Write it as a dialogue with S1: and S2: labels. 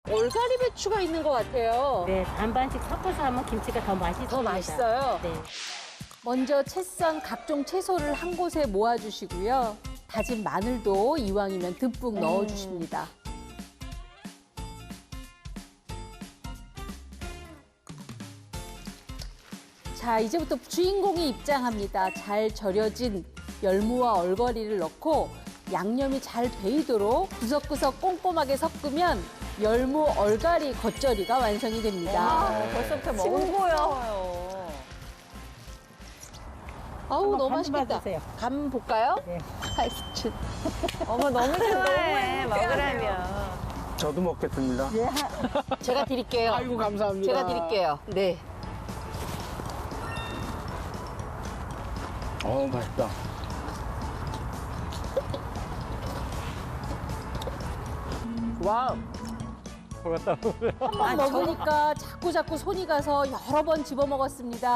S1: 얼갈이 배추가 있는 것 같아요.
S2: 네, 반반씩 섞어서 하면 김치가 더 맛있습니다.
S1: 더 맛있어요.
S2: 네.
S1: 먼저 채 썬 각종 채소를 한 곳에 모아주시고요. 다진 마늘도 이왕이면 듬뿍 넣어주십니다. 자, 이제부터 주인공이 입장합니다. 잘 절여진 열무와 얼거리를 넣고 양념이 잘 배이도록 구석구석 꼼꼼하게 섞으면 열무 얼갈이 겉절이가 완성이 됩니다.
S3: 벌써부터 먹어요.
S1: 아우, 너무
S2: 간
S1: 맛있겠다.
S2: 봐주세요.
S1: 간 볼까요?
S2: 네.
S3: 어머 너무 좋아해 먹으라면.
S4: 저도 먹겠습니다.
S1: 제가 드릴게요.
S4: 아이고, 감사합니다.
S1: 제가 드릴게요. 네.
S4: 맛있다.
S1: 와우. 한 번 먹으니까 자꾸 손이 가서 여러 번 집어 먹었습니다.